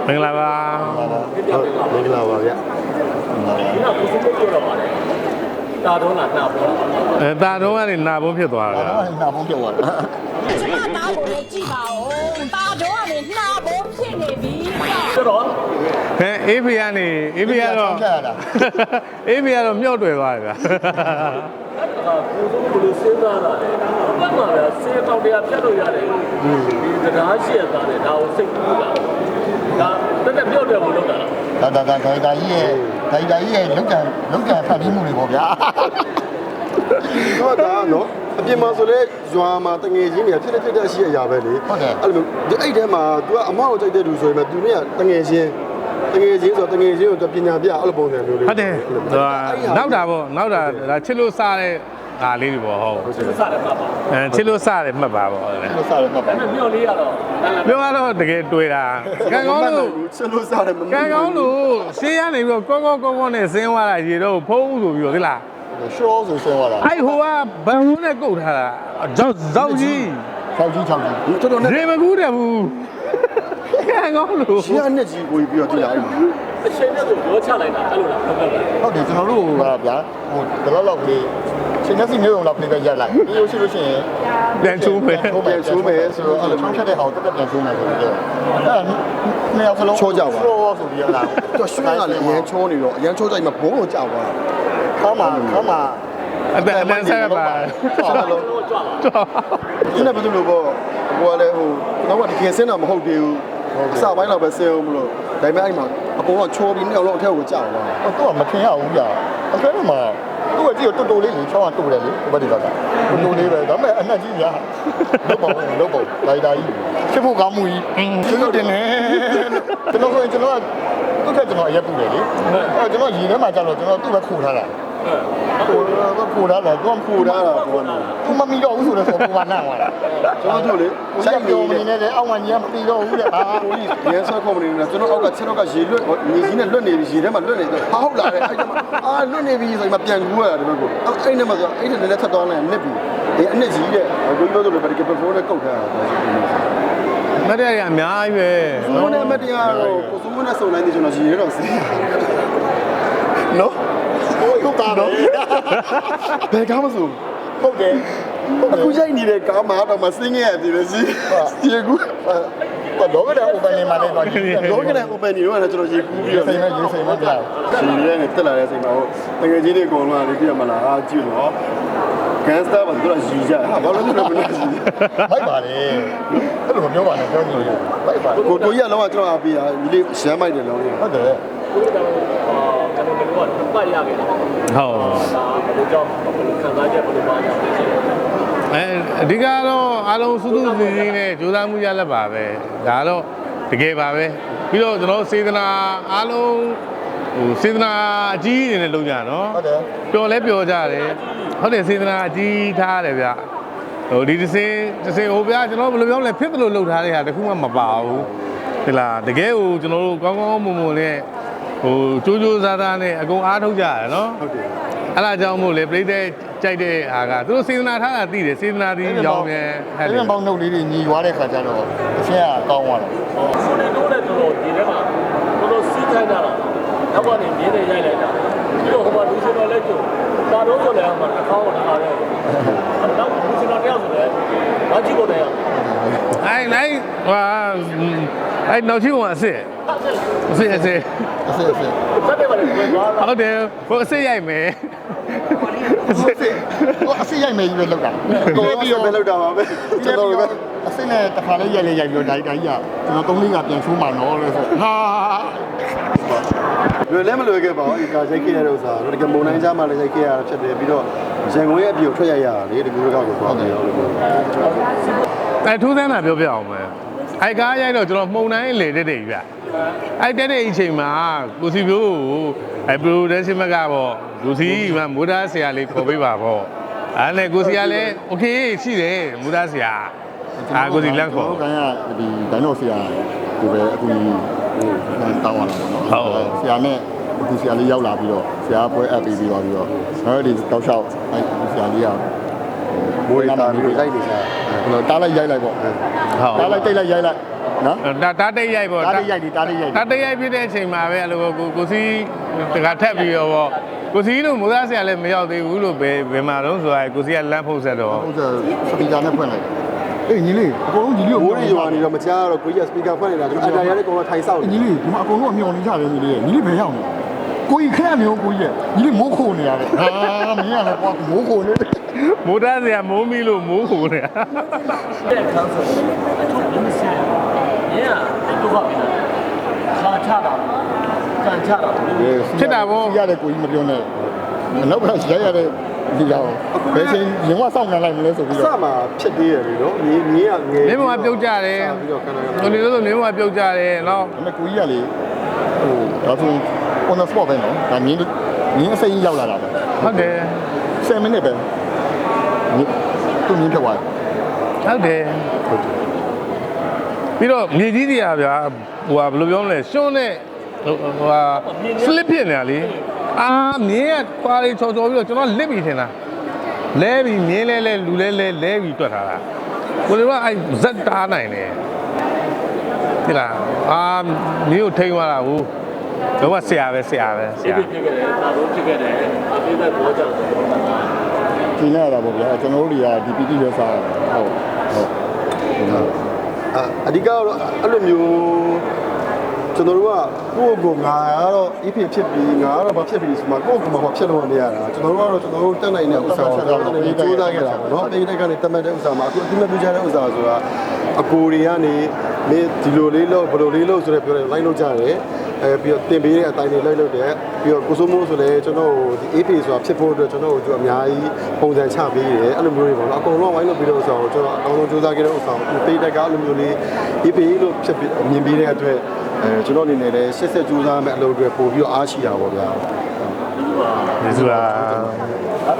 မင်္ဂလာပါမင်္ဂလာပါဗျာဒီကကိုစုပ်ပြောတော့ပါလေတာတော့နာနာပေါ်တာတော့ကနေနာဘုံဖြစ်သွားတာနာဘုံပြောသွားတာကျမသားကိုလည်းကြည့်ပါဦးတာတော့ကနေနှာဘုံဖြစ်နေပြီဆိုတော့အေးဖေကနေအေးဖေကတော့အေးဖေကတော့မြောက်တွေ့သွားတယ်ဗျာကိုစုပ်ဘယ်လိုစဉ်းစားတာလဲဘယ်မှာလဲစေတောက်တရားပြတ်လို့ရတယ်ဒီတရားရှိရတာလေဒါကိုစိတ်ကူးတာဒါတက်ပြော့တယ်ဘလို့လုပ်တာလားဒါကြီးရဲ့လုံကန်ဖတ်ပြီးမှုတွေပေါ့ဗျာတော့ဒါနော်အပြင်မှာဆိုလဲရွာမှာတငယ်ချင်းတွေကဖြစ်တဲ့အရှိအရာပဲလေဟုတ်တယ်အဲ့လိုအဲ့ထဲမှာ तू ကအမောက်ကိုကြိုက်တဲ့လူဆိုရင်ပဲ तू နဲ့တငယ်ချင်းဆိုတငယ်ချင်းကို तू ပညာပြအဲ့လိုပုံစံမျိုးလေးဟုတ်တယ်နောက်တာပေါ့နောက်တာဒါချစ်လို့စားတဲ့ဟာလေးတွေပေါ့ဟုတ်ချစ်လို့စားတယ်မှတ်ပါချစ်လို့စားတယ်မှတ်ပါပေါ့ချစ်လို့စားတယ်မှတ်ပါမြော့လေးရတော့မြော့ကတော့တကယ်တွေ့တာကံကောင်းလို့ချစ်လို့စားတယ်မကံကောင်းလို့ရှေးရနေပြီးတော့ကောနဲ့ဆင်းသွားတာရေတော့ဖုံးဆိုပြီးတော့ဒီလားရှောဆိုဆင်းသွားတာအဲ့ဟိုကဘန်ဝန်းနဲ့ကုတ်ထားတာဇောက်ကြီးတော်တော်နဲ့ရေမကူးတယ်ဘူးကံကောင်းလို့ရှေးရနဲ့ကြီးကိုပြီးတော့ကြည့်လိုက်အချိန်နဲ့ကိုရောချလိုက်တာအဲ့လိုလားဟုတ်တယ်ကျွန်တော်တို့ကဗျာဟိုဒီလောက်လေးရှင်နေစီမျိုးုံလောက်ပြေးရက်လိုက်ပြီးလို့ရှိရင်ပြန်ချိုးမယ်ဆိုတော့အဲ့လိုချောင်းချက်တဲ့ဟာကိုတက်ပြန်ချိုးမယ်ဆိုပြီးတော့အဲ့နှစ်ယောက်စလုံးချောကြပါဆိုပြီးတော့သူရွှေကလည်းအရန်ချောနေတော့အရန်ချောကြိုက်မှာဘုံကိုကြောက်သွားခါမှာအတန်ဆက်ပါဆက်လို့ဒီနေ့ဘယ်လိုပေါ့ဟိုကလည်းဟိုတော့တကယ်ဆင်းတာမဟုတ်သေးဘူးအစပိုင်းတော့ပဲဆင်းအောင်မလို့ဒါပေမဲ့အဲ့မှာအကုန်လုံးချောပြီးနှစ်ယောက်လုံးအထက်ကိုကြောက်သွားသူကမထင်ရဘူးကြာအဲ့ဒါမှသူကကြည့်တော့တူလေးလေချောင်းကတူတယ်လေဘယ်ဒီကတူလေးပဲဒါပေမဲ့အနက်ကြီးညာလုပ်ပုံလိုက်တာကြီးဖြစ်ဖို့ကောင်းမှုကြီးသူတင်နေကျွန်တော်သူ့ထက်ကျွန်တော်အရက်ပူတယ်လေအဲ့ကျွန်တော်ရေထဲမှာကြာတော့ကျွန်တော်သူ့ပဲခိုးထားတာခိုးထားတယ်သူကခိုးထားတာဘောနော်သူမမီတော့ဘူးဆိုတော့ပုံမှန်နာသွားတာကျွန်တော်တို့လေစိုက်ပြောနေတယ်အောက်မှာညီကမပြီးတော့ဘူးတဲ့ဟာဟိုကြီးရဲဆော့ကွန်ပဏီနဲ့ကျွန်တော်အောက်ကချက်တော့ကရေလွတ်မြေကြီးနဲ့လွတ်နေပြီရေထဲမှာလွတ်နေတော့ဟာဟုတ်လားတဲ့အဲ့ဒါမှလွတ်နေပြီဆိုရင်မပြန်ကူရတာဒီဘက်ကိုအဲ့နဲ့မှဆိုအဲ့နဲ့လည်းထပ်သွားလိုက်နစ်ပြီဒီအနစ်ကြီးတဲ့ကိုကြီးပြောလို့ပဲဒီကပဖိုးနဲ့ကုတ်ထားတာမတရားရအများကြီးပဲဘုံနဲ့မတရားတော့ကိုစုံနဲ့စုံတိုင်းဒီကျွန်တော်ရေတော့စေးနော်ဟုတ်တာတော့ဘယ်ကားမဆိုဟုတ်တယ်အခုရိုက်နေတဲ့ကားမှာတော့မစင်းခဲ့ရသေးတယ်စီရေကူတော့ကတော့ open နေမှာလေတော့တော့ကလည်း open နေတော့ကျွန်တော်ရေကူးပြီးတော့စိတ်နဲ့ကြာရှင်ရဲနဲ့တက်လာတဲ့ချိန်မှာဟိုတကယ်ကြီးတွေအကုန်လုံးကလေပြရမလားအာကြည့်တော့ကန်စတာဘာလို့ရည်ကြဟာဘာလို့လဲမလို့လိုက်ပါလေအဲ့လိုမပြောပါနဲ့ပြောနေလို့လိုက်ပါကိုကြီးကလောကကျွန်တော်အားပေးတာဒီလေးရှမ်းမိုက်တယ်လောဟုတ်တယ်ကိုယ်ကတော့ကျွန်တော်တို့ကပတ်ရခဲ့တာဟုတ်ဒါဘယ်လိုကြောင့်ဘယ်လိုခံစားချက်ဘယ်လိုပါလဲအဓိကတော့အားလုံးစုစုစည်းစည်းနဲ့ကြိုးစားမှုရလက်ပါပဲဒါတော့တကယ်ပါပဲပြီးတော့ကျွန်တော်စေတနာအားလုံးဟိုစေတနာအကြီးအနေနဲ့လုပ်ကြနော်ဟုတ်တယ်ပျော်လဲပျော်ကြတယ်ဟုတ်တယ်စေတနာအကြီးထားတယ်ဗျဟိုဒီတစ်စင်းဟိုဗျာကျွန်တော်ဘယ်လိုပြောလဲဖြစ်တယ်လို့လုပ်ထားတဲ့ဟာတခုမှမပါဘူးဒီလားတကယ်ကိုကျွန်တော်တို့ကောင်းကောင်းမွန်မွန်နဲ့ဟိုကြိုးကြိုးစားစားနဲ့အကုန်အားထုတ်ကြရတယ်နော်ဟုတ်တယ်အဲ့ဒါကြောင့်မို့လေပြိတဲ့ကြိုက်တဲ့ဟာကသူတို့စေတနာထားတာသိတယ်စေတနာပြီးရောင်းတယ်ဟဲ့ဒီပေါင်းနှုတ်လေးတွေညီွားတဲ့ခါကျတော့အရှင်းကကောင်းသွားတယ်ဆိုနေတော့လည်းတော်ဒီထဲမှာတော်စီးခိုင်းတာတော့နောက်ကနေမြင်းနဲ့ရိုက်လိုက်တာပြီးတော့ဟိုမှာလူစင်တော်လည်းကျုံဒါတော့ဆိုလည်းဟိုမှာတစ်ခေါက်တော့ထားတယ်နောက်လူစင်တော်တယောက်ဆိုလည်းမကြည့်ကိုတယ်အဲ့လိုက်ဟာအဲ့နောက်ရှိကအစ်အစ်သက်တယ်ပါလေဟုတ်တယ်ဟိုအစ်ရိုက်မယ်အစ်ရိုက်မယ်ကြီးပဲလောက်တာကိုပြီးတော့ပဲလောက်တာပါပဲကျွန်တော်ပဲအစ်နဲ့တစ်ခါလေးရိုက်ပြီးတော့ဒါကြီးကကျွန်တော်3-4ကပြန်ချိုးမှနော်လို့ဆိုဟာလွယ်လည်းမလွယ်ခဲ့ပါဘူးဒီကရိုက်ခဲ့ရတဲ့ဥစ္စာတော့တကယ်မုံတိုင်းကြားမှာလည်းရိုက်ခဲ့ရတာဖြစ်တယ်ပြီးတော့ရန်ကုန်ရဲ့အပြင်ထွက်ရရတာလေဒီလိုကောက်ကိုသွားတယ်လို့ထူးဆန်းတာပြောပြအောင်မယ်အဲ့ကားရိုက်တော့ကျွန်တော်မှုံတိုင်းလေတက်တယ်ဗျအဲ့တက်တဲ့အချိန်မှာကိုစီပြိုးကိုအဲ့ production ကပေါ့လူစီကမိုးသားဆရာလေးခေါ်ပေးပါပေါ့အဲ့နဲ့ကိုစီကလည်း okay ရှိတယ်မိုးသားဆရာကိုစီလန့်ခေါ်ဟုတ်ကဲ့ဒီဒိုင်နိုဆရာကိုပဲအခုတောင်းရတာပေါ့နော်ဟုတ်ဆရာနဲ့အခုဆရာလေးရောက်လာပြီးတော့ဆရာပွဲအပ်ပြီးတော့အဲ့ဒီတောက်လျှောက်အဲ့ဆရာလေးကမိုးရီတာမျိုးလိုက်နေစားတားလိုက်ရိုက်လိုက်ပေါ့ဟုတ်တားလိုက်တိတ်လိုက်ရိုက်လိုက်နော်တားတိတ်ရိုက်ပေါ့တားတိတ်ရိုက်ဒီတားတိတ်ရိုက်တားတိတ်ရိုက်ဖြစ်တဲ့အချိန်မှာပဲအဲ့လိုကိုစီတကထက်ပြီးတော့ပေါ့ကိုစီတို့မိုးသားဆရာလည်းမရောက်သေးဘူးလို့ဘယ်မှာတော့ဆိုရဲကိုစီကလမ်းဖုတ်ဆက်တော့ဟုတ်တယ်စပီကာနဲ့ဖွင့်လိုက်အေးညီလေးအကုန်လုံးညီလေးကိုမိုးရီရွာနေတော့မကြားတော့ကိုကြီးကစပီကာဖွင့်နေတာကျွန်တော်အတားရတဲ့ကောင်ကထိုင်ဆောက်နေညီလေးဒီမှာအကုန်လုံးအမျော်နေကြတယ်ညီလေးညီလေးဘယ်ရောက်နေကိုကြီးခက်မျိုးကိုကြီးညီလေးမိုးခိုနေရတယ်ဟာမင်းကလည်းကွာမိုးခိုနေမိုးသားဆရာမိုးမီလို့မိုးခိုနေတာတဲ့ခန်းဆိုအထုပ်လုံးစင်ရင်းကဒုက္ခပြီလားခါချတာကန်ချတာရတယ်ကိုကြီးမပြောနဲ့နောက်ကရိုက်ရတဲ့ဒီကောင်ဘယ်ချိန်ရင်မစောင့်နေလိုက်မလဲဆိုပြီးစတော့မှာဖြစ်သေးတယ်လေနော်မြေကငယ်မင်းမပြုတ်ကြတယ်ပြီးတော့ခဏခဏကိုနေလို့ဆိုမင်းမပြုတ်ကြတယ်နော်ဒါပေမဲ့ကိုကြီးကလေဟိုဒါဆို on the spot ပဲနော်ဒါမြင်းအစိမ်းရောက်လာတာပဲဟုတ်တယ် 7 minute ပဲသူမြင်းဖြစ်သွားတယ်ဟုတ်တယ်ပြီးတော့မြေကြီးတွေကဗျာဟိုဟာဘယ်လိုပြောမလဲရှွန်းနဲ့ဟိုဟာ slip ဖြစ်နေတာလေအာမြင်းကခွာလေးချော်ချော်ပြီးတော့ကျွန်တော်လစ်ပြီးထင်တာလဲပြီးမြင်းလဲလူလဲပြီးတွက်ထားတာကိုလေကအဲ့ဇက်တားနိုင်တယ်ဒီလားအာမြင်းကိုထိန်းသွားတာဟုတ်တော့ဆရာပဲဖြစ်ခဲ့တယ်ဒါတော့ဖြစ်ခဲ့တယ်အသေးသက်ပေါ်ကြတယ်ဒီနေ့ရတာပေါ့ဗျာကျွန်တော်တို့တွေကဒီ PT ပဲစားဟုတ်အဓိကတော့အဲ့လိုမျိုးကျွန်တော်တို့ကကိုယ့်ကိုငါကတော့ if ဖြစ်ပြီးငါကတော့ဘာဖြစ်ပြီးဆိုမှကိုယ့်ကိုယ်မှာဖြစ်လို့မရတာကျွန်တော်တို့ကတော့ကျွန်တော်တို့တက်နိုင်တဲ့ဥစ္စာကိုတက်နိုင်ပြီးကြိုးစားခဲ့တာပေါ့နော်အပိတိုက်ကနေတက်မှတ်တဲ့ဥစ္စာမှာအခုအတိမပြချတဲ့ဥစ္စာဆိုတာအကိုတွေကနေမင်းဒီလိုလေးလို့ဘယ်လိုလေးလို့ဆိုတော့ပြောတယ်လိုက်လို့ကြတယ်ပြီးတော့တင်ပေးတဲ့အတိုင်းတွေလိုက်လို့တယ်ပြီးတော့ကိုစိုးမိုးဆိုလည်းကျွန်တော်ဒီ AP ဆိုတာဖြစ်ဖို့အတွက်ကျွန်တော်တို့အများကြီးပုံစံချပေးတယ်အဲ့လိုမျိုးတွေပေါ့နော်အကုန်လုံးဝိုင်းလို့ပြီးတော့ဥစ္စာကိုကျွန်တော်အကောင်းဆုံးကြိုးစားခဲ့တဲ့ဥစ္စာကိုပိတိုက်ကအလိုမျိုးလေး AP လို့ဖြစ်မြင်ပေးတဲ့အတွက်ကျွန်တော်အနေနဲ့လည်းရှစ်ဆက်ကြိုးစားမဲ့အလုပ်တွေပို့ပြီးတော့အားရှိတာပေါ့ဗျာဒီဆိုတာ